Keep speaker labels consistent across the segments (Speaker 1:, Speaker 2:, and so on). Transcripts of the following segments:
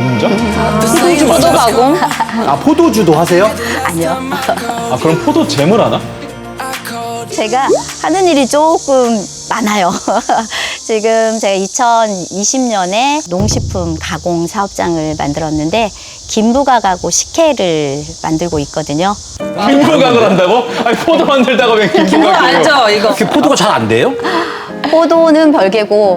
Speaker 1: 공장?
Speaker 2: 포도 가공?
Speaker 3: 아, 포도주도 하세요?
Speaker 2: 아니요.
Speaker 1: 아, 그럼 포도 잼을 하나?
Speaker 2: 제가 하는 일이 조금 많아요. 지금 제가 2020년에 농식품 가공 사업장을 만들었는데 김부각하고 식혜를 만들고 있거든요.
Speaker 1: 김부각을 한다고? 아니, 포도 만들다가 왜
Speaker 4: 그거
Speaker 1: 김부각을
Speaker 4: 알죠, 이거?
Speaker 3: 이렇게 포도가 잘 안 돼요?
Speaker 2: 포도는 별개고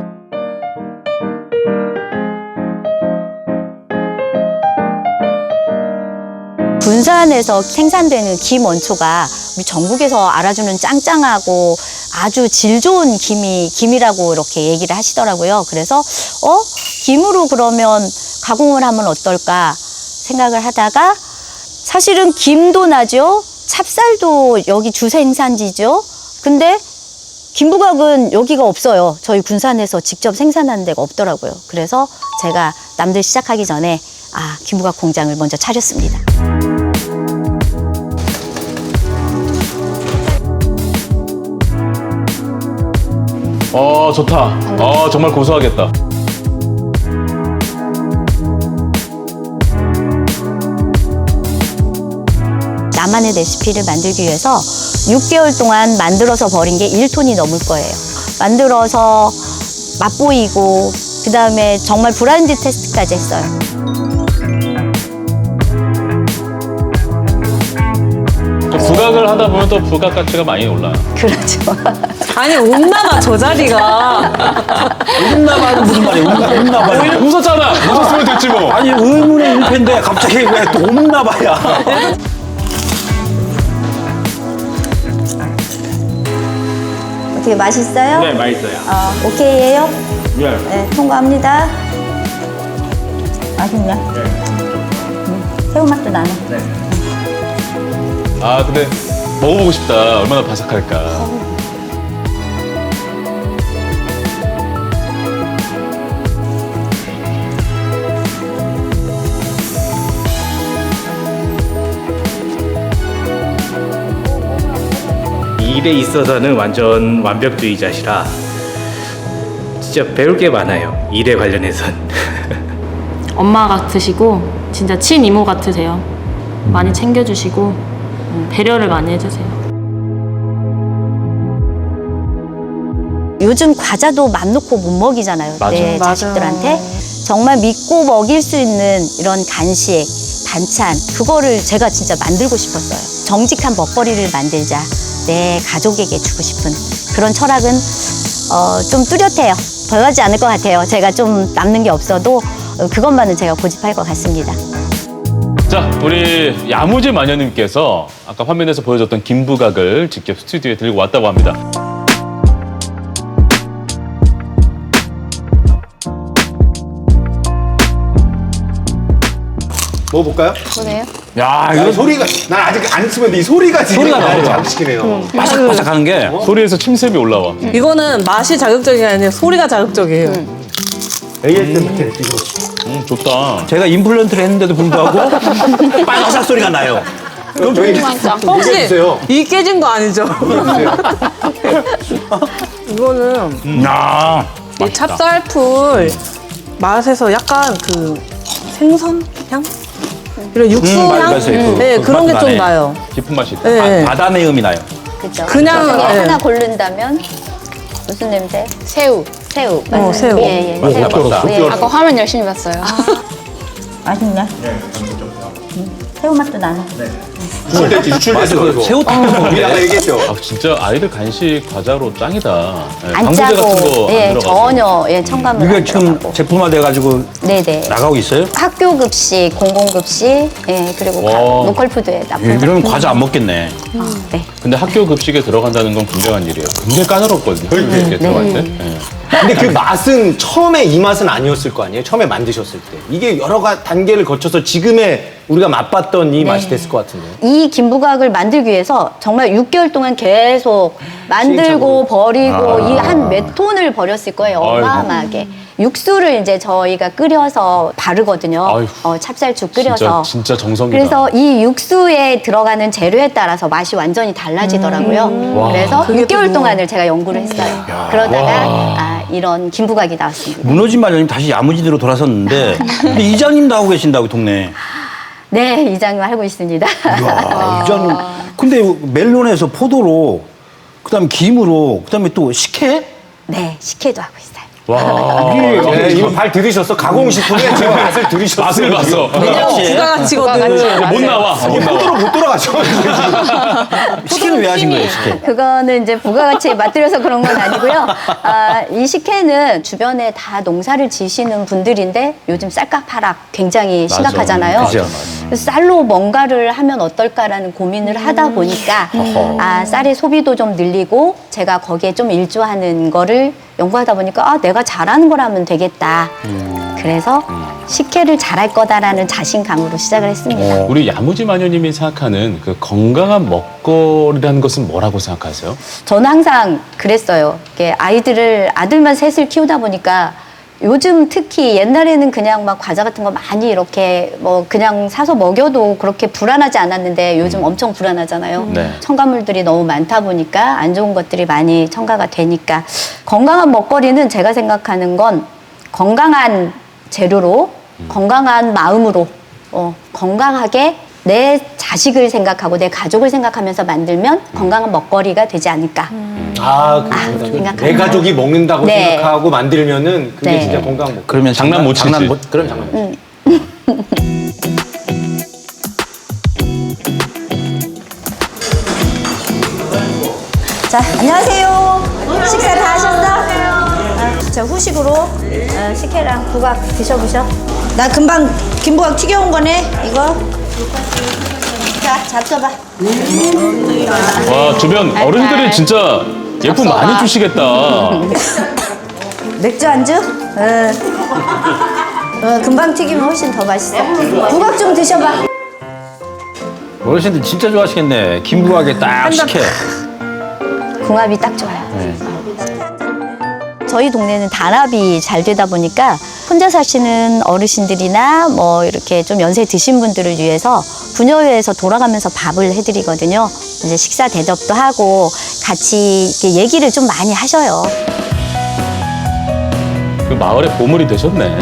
Speaker 2: 군산에서 생산되는 김 원초가 우리 전국에서 알아주는 짱짱하고 아주 질 좋은 김이라고 이렇게 얘기를 하시더라고요. 그래서 김으로 그러면 가공을 하면 어떨까 생각을 하다가 사실은 김도 나죠. 찹쌀도 여기 주 생산지죠. 근데 김부각은 여기가 없어요. 저희 군산에서 직접 생산하는 데가 없더라고요. 그래서 제가 남들 시작하기 전에 김부각 공장을 먼저 차렸습니다.
Speaker 1: 좋다. 정말 고소하겠다.
Speaker 2: 나만의 레시피를 만들기 위해서 6개월 동안 만들어서 버린 게 1톤이 넘을 거예요. 만들어서 맛보이고 그다음에 정말 브라인드 테스트까지 했어요.
Speaker 1: 부각을 하다 보면 또 부각 가치가 많이 올라요.
Speaker 2: 그렇죠.
Speaker 4: 아니, 웃나봐, 저 자리가.
Speaker 3: 웃나봐는 무슨 말이에요? 웃나봐요?
Speaker 1: 웃었잖아. 웃었으면 됐지 뭐.
Speaker 3: 아니, 의문의 일패인데 갑자기 왜 또 웃나봐야?
Speaker 2: 어떻게 맛있어요?
Speaker 1: 네, 맛있어요.
Speaker 2: 오케이예요?
Speaker 1: 네.
Speaker 2: 네, 통과합니다. 맛있냐? 새우 맛도 나네.
Speaker 1: 근데 먹어보고 싶다. 얼마나 바삭할까.
Speaker 5: 일에 있어서는 완전 완벽주의자시라 진짜 배울 게 많아요. 일에 관련해선.
Speaker 6: 엄마 같으시고 진짜 친이모 같으세요. 많이 챙겨주시고 배려를 많이 해주세요.
Speaker 2: 요즘 과자도 맘 놓고 못 먹이잖아요. 내 자식들한테. 정말 믿고 먹일 수 있는 이런 간식, 반찬 그거를 제가 진짜 만들고 싶었어요. 정직한 먹거리를 만들자. 내 가족에게 주고 싶은 그런 철학은 좀 뚜렷해요. 변하지 않을 것 같아요. 제가 좀 남는 게 없어도 그것만은 제가 고집할 것 같습니다.
Speaker 1: 자, 우리 야무지 마녀님께서 아까 화면에서 보여줬던 김부각을 직접 스튜디오에 들고 왔다고 합니다.
Speaker 3: 먹어볼까요?
Speaker 2: 보세요.
Speaker 3: 야,
Speaker 7: 이거 소리가 난 아직 안 쓰면 이 소리가 지금
Speaker 3: 소리가 나요.
Speaker 7: 자극시키네요.
Speaker 3: 바삭바삭하는 게.
Speaker 1: 소리에서 침샘이 올라와.
Speaker 4: 이거는 맛이 자극적이 아니라 소리가 자극적이에요.
Speaker 7: ASMR
Speaker 1: 좋다.
Speaker 3: 제가 임플란트를 했는데도 불구하고 바삭 소리가 나요.
Speaker 7: 그럼 저희
Speaker 4: 혹시
Speaker 7: 얘기해주세요.
Speaker 4: 이 깨진 거 아니죠? 이거는
Speaker 3: 야,
Speaker 4: 이 찹쌀풀 맛에서 약간 그 생선 향? 이런 육수 향?
Speaker 3: 맞아요.
Speaker 4: 네, 그런 게
Speaker 3: 맛도
Speaker 4: 좀
Speaker 3: 나네.
Speaker 4: 나요.
Speaker 1: 깊은 맛이 있다.
Speaker 4: 네.
Speaker 3: 바다 내음이 나요.
Speaker 2: 그죠?
Speaker 4: 그냥,
Speaker 2: 중에
Speaker 4: 네.
Speaker 2: 하나 고른다면 무슨 냄새? 새우. 새우. 맞아요.
Speaker 4: 새우.
Speaker 2: 예, 예.
Speaker 3: 맞다,
Speaker 2: 새우.
Speaker 3: 맞다.
Speaker 2: 예.
Speaker 8: 아까 화면 열심히 봤어요.
Speaker 2: 맛있냐? 새우 맛도 나네.
Speaker 7: 유출돼서 그거.
Speaker 3: 새우
Speaker 7: 우리나라 얘기했죠.
Speaker 1: 진짜 아이들 간식 과자로 짱이다. 네,
Speaker 2: 안
Speaker 1: 방부제 같은
Speaker 2: 짜고
Speaker 1: 거
Speaker 2: 예,
Speaker 1: 안 들어가서.
Speaker 2: 전혀 첨가물
Speaker 3: 이게
Speaker 2: 안
Speaker 3: 지금
Speaker 2: 들어가고.
Speaker 3: 제품화돼가지고
Speaker 2: 네네.
Speaker 3: 나가고 있어요?
Speaker 2: 학교 급식, 공공 급식, 예, 그리고
Speaker 1: 와.
Speaker 2: 로컬 푸드에 납품.
Speaker 3: 예, 그러면 과자 안 먹겠네.
Speaker 2: 네.
Speaker 1: 근데 학교 급식에 들어간다는 건 굉장한 일이에요. 굉장히 까다롭거든요. 이렇게 들어갈 때. 네.
Speaker 7: 근데 그 맛은 처음에 이 맛은 아니었을 거 아니에요? 처음에 만드셨을 때. 이게 여러 단계를 거쳐서 지금의
Speaker 3: 우리가 맛봤던 이 맛이 됐을 것 같은데.
Speaker 2: 이 김부각을 만들기 위해서 정말 6개월 동안 계속 만들고 버리고 이 한 몇 톤을 버렸을 거예요. 어마어마하게. 육수를 이제 저희가 끓여서 바르거든요.
Speaker 1: 아이고.
Speaker 2: 찹쌀죽 끓여서.
Speaker 1: 진짜 정성이다.
Speaker 2: 그래서 이 육수에 들어가는 재료에 따라서 맛이 완전히 달라지더라고요. 그래서 6개월 동안을 제가 연구를 했어요. 그러다가 이런 김부각이 나왔습니다.
Speaker 3: 무너진 마녀님 다시 야무지대로 돌아섰는데 근데 이장님도 하고 계신다고 동네.
Speaker 2: 네, 이장님 알고 있습니다.
Speaker 3: 이야, 이장님. 근데 멜론에서 포도로 그다음에 김으로 그다음에 또 식혜?
Speaker 2: 네, 식혜도 하고 있어요.
Speaker 1: 와.
Speaker 7: 네, 이거 발 들이셨어. 가공식품에 지금 맛을 들이셨어.
Speaker 1: 맛을 봤어.
Speaker 4: 부가가치거든.
Speaker 1: 못 나와. 못 나와.
Speaker 7: 포도로 못 돌아가죠.
Speaker 3: 식혜는 왜 하신 거예요, 식혜?
Speaker 2: 그거는 이제 부가가치에 맞들여서 그런 건 아니고요. 이 식혜는 주변에 다 농사를 지시는 분들인데 요즘 쌀값하락 굉장히 심각하잖아요.
Speaker 3: 그죠.
Speaker 2: 그래서 쌀로 뭔가를 하면 어떨까라는 고민을 하다 보니까 쌀의 소비도 좀 늘리고 제가 거기에 좀 일조하는 거를 연구하다 보니까 내가 잘하는 걸 하면 되겠다. 그래서 식혜를 잘할 거다라는 자신감으로 시작을 했습니다.
Speaker 1: 우리 야무지 마녀님이 생각하는 그 건강한 먹거리라는 것은 뭐라고 생각하세요?
Speaker 2: 저는 항상 그랬어요. 이게 아들만 셋을 키우다 보니까 요즘 특히 옛날에는 그냥 막 과자 같은 거 많이 이렇게 뭐 그냥 사서 먹여도 그렇게 불안하지 않았는데 요즘 엄청 불안하잖아요.
Speaker 1: 네.
Speaker 2: 첨가물들이 너무 많다 보니까 안 좋은 것들이 많이 첨가가 되니까 건강한 먹거리는 제가 생각하는 건 건강한 재료로 건강한 마음으로 건강하게 내 자식을 생각하고 내 가족을 생각하면서 만들면 건강한 먹거리가 되지 않을까. 생각합니다.
Speaker 7: 내 가족이 먹는다고
Speaker 2: 네.
Speaker 7: 생각하고 만들면은 그게
Speaker 2: 네.
Speaker 7: 진짜 건강 먹.
Speaker 3: 그러면
Speaker 1: 장난 못 치지.
Speaker 3: 그럼 장난 못 치지.
Speaker 2: 자, 안녕하세요. 식사 다 하셨어? 자, 후식으로 식혜랑 부각 드셔보셔. 나 금방 김부각 튀겨온 거네, 이거. 자, 잡숴봐.
Speaker 1: 와, 주변 어른들이 진짜 예쁨 많이 주시겠다.
Speaker 2: 맥주 안주? 금방 튀기면 훨씬 더 맛있어. 부각 좀 드셔봐.
Speaker 3: 어르신들 진짜 좋아하시겠네. 김부각에 딱 식혜.
Speaker 2: 궁합이 딱 좋아요. 저희 동네는 단합이 잘 되다 보니까 혼자 사시는 어르신들이나 뭐 이렇게 좀 연세 드신 분들을 위해서 부녀회에서 돌아가면서 밥을 해드리거든요. 이제 식사 대접도 하고 같이 이렇게 얘기를 좀 많이 하셔요.
Speaker 1: 그 마을의 보물이 되셨네.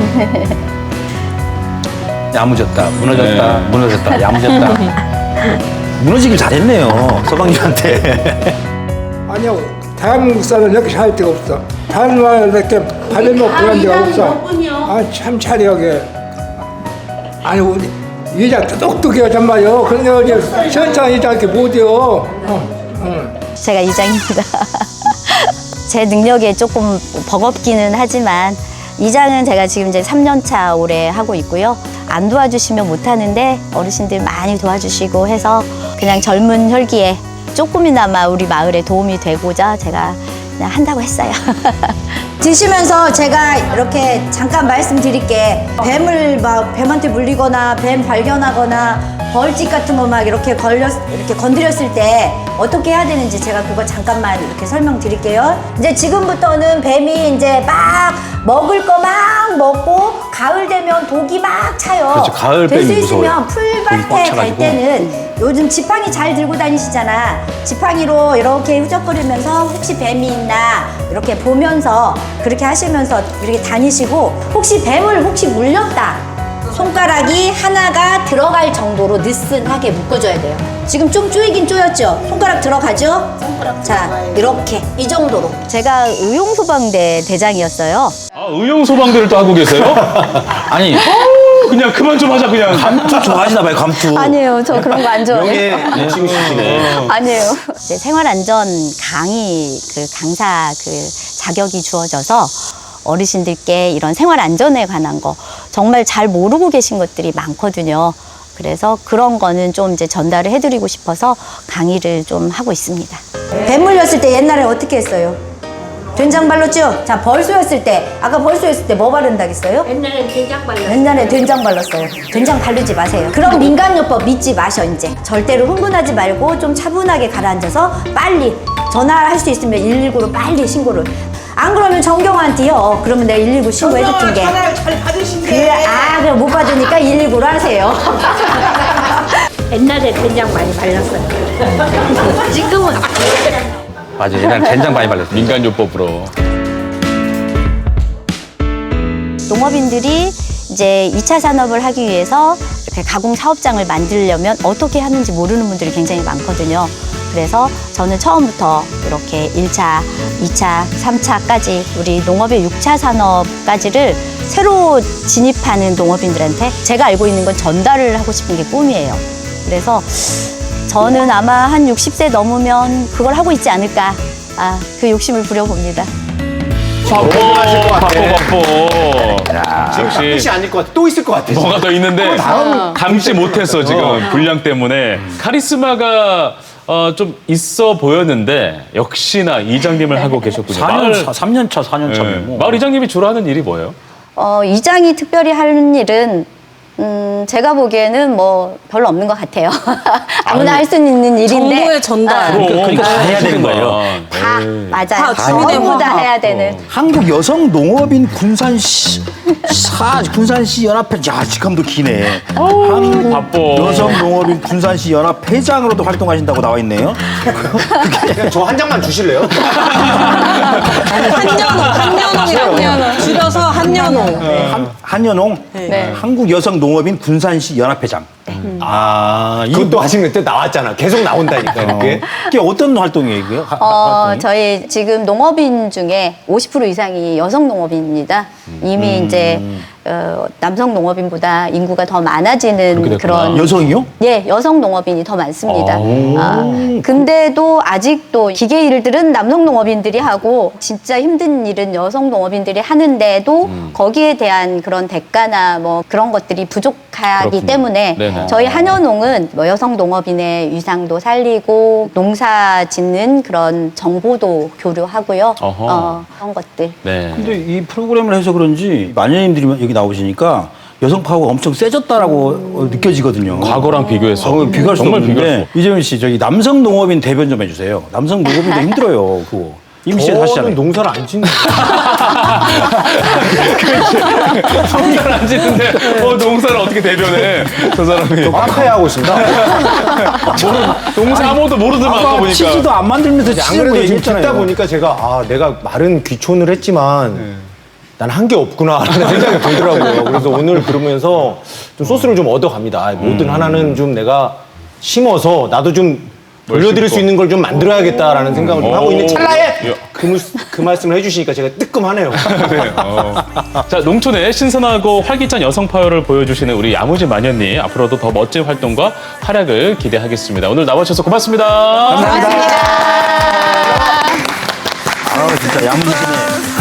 Speaker 3: 야무졌다, 무너졌다,
Speaker 1: 네.
Speaker 3: 무너졌다, 야무졌다. 무너지길 잘했네요, 서방님한테.
Speaker 8: 아니요, 대한민국 사람 이렇게 살 데가 없어. 다른 나라 이렇게 밥을 먹고 그런 데가 없어. 참 차려게. 아니, 우리 여자 똑똑해요, 정말요. 그런데 어제 시원찮은 여자 이렇게 못해요.
Speaker 2: 제가 이장입니다. 제 능력에 조금 버겁기는 하지만 이장은 제가 지금 이제 3년 차 올해 하고 있고요. 안 도와주시면 못 하는데 어르신들 많이 도와주시고 해서 그냥 젊은 혈기에 조금이나마 우리 마을에 도움이 되고자 제가 그냥 한다고 했어요. 드시면서 제가 이렇게 잠깐 말씀드릴게. 뱀한테 물리거나 뱀 발견하거나 벌집 같은 거 막 이렇게 건드렸을 때 어떻게 해야 되는지 제가 그거 잠깐만 이렇게 설명드릴게요. 이제 지금부터는 뱀이 이제 막 먹을 거 막 먹고 가을 되면 독이 막 차요.
Speaker 3: 그렇죠. 가을 뱀이
Speaker 2: 될 수 있으면
Speaker 3: 무서워요. 독이 꽉
Speaker 2: 풀밭에 갈
Speaker 3: 차가지고.
Speaker 2: 때는 요즘 지팡이 잘 들고 다니시잖아. 지팡이로 이렇게 후적거리면서 혹시 뱀이 있나 이렇게 보면서 그렇게 하시면서 이렇게 다니시고 혹시 뱀을 물렸다. 손가락이 하나가 들어갈 정도로 느슨하게 묶어줘야 돼요. 지금 좀 쪼이긴 쪼였죠? 손가락 들어가죠? 자, 이렇게 이 정도로. 제가 의용소방대 대장이었어요.
Speaker 1: 의용소방대를 또 하고 계세요?
Speaker 3: 아니,
Speaker 1: 그냥 그만 좀 하자, 그냥.
Speaker 3: 감투 좋아하시나 봐요, 감투.
Speaker 2: 아니에요, 저 그런 거 안 좋아해요.
Speaker 3: 명예 지시네.
Speaker 2: 아니에요. 이제 생활안전 강의 강사 자격이 주어져서 어르신들께 이런 생활안전에 관한 거 정말 잘 모르고 계신 것들이 많거든요. 그래서 그런 거는 좀 이제 전달을 해드리고 싶어서 강의를 좀 하고 있습니다. 뱀 물렸을 때 옛날에 어떻게 했어요? 된장 발랐죠? 자, 벌쏘였을 때, 아까 벌쏘였을 때 뭐 바른다겠어요?
Speaker 9: 옛날엔 된장 발랐어요.
Speaker 2: 옛날에 된장 발랐어요. 된장 바르지 마세요. 그럼 민간요법 믿지 마셔, 이제. 절대로 흥분하지 말고 좀 차분하게 가라앉아서 빨리 전화할 수 있으면 119로 빨리 신고를. 안 그러면 정경환한테요. 그러면 내가 119 신고해 줄게.
Speaker 4: 전화를 잘 받으신대.
Speaker 2: 그럼 못 받으니까 119로 하세요.
Speaker 9: 옛날에 된장 많이 발랐어요. 지금은
Speaker 7: 맞아, 옛날 된장 많이 발랐어.
Speaker 1: 민간요법으로.
Speaker 2: 농업인들이 이제 2차 산업을 하기 위해서 이렇게 가공 사업장을 만들려면 어떻게 하는지 모르는 분들이 굉장히 많거든요. 그래서 저는 처음부터 이렇게 1차, 2차, 3차까지 우리 농업의 6차 산업까지를 새로 진입하는 농업인들한테 제가 알고 있는 건 전달을 하고 싶은 게 꿈이에요. 그래서 저는 아마 한 60세 넘으면 그걸 하고 있지 않을까. 그 욕심을 부려봅니다.
Speaker 7: 하실 것 같아.
Speaker 1: 바빠.
Speaker 7: 지금 끝이 아닐 것 같아. 또 있을 것 같아.
Speaker 1: 뭐가 더 있는데 담지 못했어 지금 분량 때문에. 카리스마가 좀 있어 보였는데 역시나 이장님을 하고 계셨군요.
Speaker 3: 3년 차, 4년 차면
Speaker 1: 예.
Speaker 3: 뭐.
Speaker 1: 마을 이장님이 주로 하는 일이 뭐예요?
Speaker 2: 이장이 특별히 하는 일은 제가 보기에는 뭐 별로 없는 것 같아요. 아무나 할 수 있는 일인데.
Speaker 4: 정보의 전달.
Speaker 3: 그러니까 다 해야 되는 거예요.
Speaker 2: 다 맞아요.
Speaker 4: 다 주민의
Speaker 2: 전부 다
Speaker 4: 화합.
Speaker 2: 해야 되는.
Speaker 3: 한국 여성 농업인 군산시 연합회, 야, 직함도 기네. 한국
Speaker 1: 바빠.
Speaker 3: 여성 농업인 군산시 연합 회장으로도 활동하신다고 나와 있네요.
Speaker 7: 그냥 저 한 장만 주실래요?
Speaker 4: 한연홍. 줄여서 한연홍.
Speaker 3: 한연홍, 한국 여성 농업인 군산시 연합회장.
Speaker 7: 이것도 하시는 때 나왔잖아. 계속 나온다니까, 이렇게.
Speaker 3: 이게 어떤 활동이에요, 이게? 활동이?
Speaker 2: 저희 지금 농업인 중에 50% 이상이 여성 농업인입니다. 이미 이제 남성 농업인보다 인구가 더 많아지는
Speaker 1: 그렇게 됐구나.
Speaker 2: 그런
Speaker 3: 여성이요?
Speaker 2: 예, 여성 농업인이 더 많습니다. 근데도 아직도 기계 일들은 남성 농업인들이 하고 진짜 힘든 일은 여성 농업인들이 하는데도 거기에 대한 그런 대가나 뭐 그런 것들이 부족하기
Speaker 1: 그렇군요.
Speaker 2: 때문에
Speaker 1: 네네.
Speaker 2: 저희 한연농은 뭐 여성 농업인의 위상도 살리고 농사 짓는 그런 정보도 교류하고요.
Speaker 1: 어허.
Speaker 2: 그런 것들.
Speaker 1: 네.
Speaker 3: 근데 이 프로그램을 해서 그런지 마녀님들이 여기 나오시니까 여성 파워가 엄청 세졌다라고 느껴지거든요.
Speaker 1: 과거랑 비교해서
Speaker 3: 비교할 수
Speaker 1: 정말 비교할 수
Speaker 3: 없는데 이재훈 씨 저기 남성 농업인 대변 좀 해주세요. 남성 농업인도 힘들어요. 그거 임시에
Speaker 7: 저는
Speaker 3: 하시잖아요.
Speaker 7: 농사를 안 짓는
Speaker 1: 농사를 안 짓는데 농사를 어떻게 대변해 저 사람이.
Speaker 7: 카페 하고 있습니다.
Speaker 1: 농사 아무것도 모르더만 아까 보니까.
Speaker 3: 치즈도 안 만들면서
Speaker 7: 안
Speaker 3: 치즈 뭐
Speaker 7: 그래도 지금
Speaker 3: 얘기했잖아요.
Speaker 7: 듣다 보니까 제가 내가 말은 귀촌을 했지만 난 한 게 없구나라는 생각이 들더라고요. 그래서 오늘 들으면서 좀 소스를 좀 얻어갑니다. 뭐든 하나는 좀 내가 심어서 나도 좀 돌려드릴 수 있는 걸 좀 만들어야겠다라는 생각을 좀 하고 있는 찰나에 그 말씀을 해주시니까 제가 뜨끔하네요.
Speaker 1: 네, 자, 농촌의 신선하고 활기찬 여성 파워를 보여주시는 우리 야무진 마녀님 앞으로도 더 멋진 활동과 활약을 기대하겠습니다. 오늘 나와주셔서 고맙습니다.
Speaker 3: 감사합니다. 진짜 야무지시네.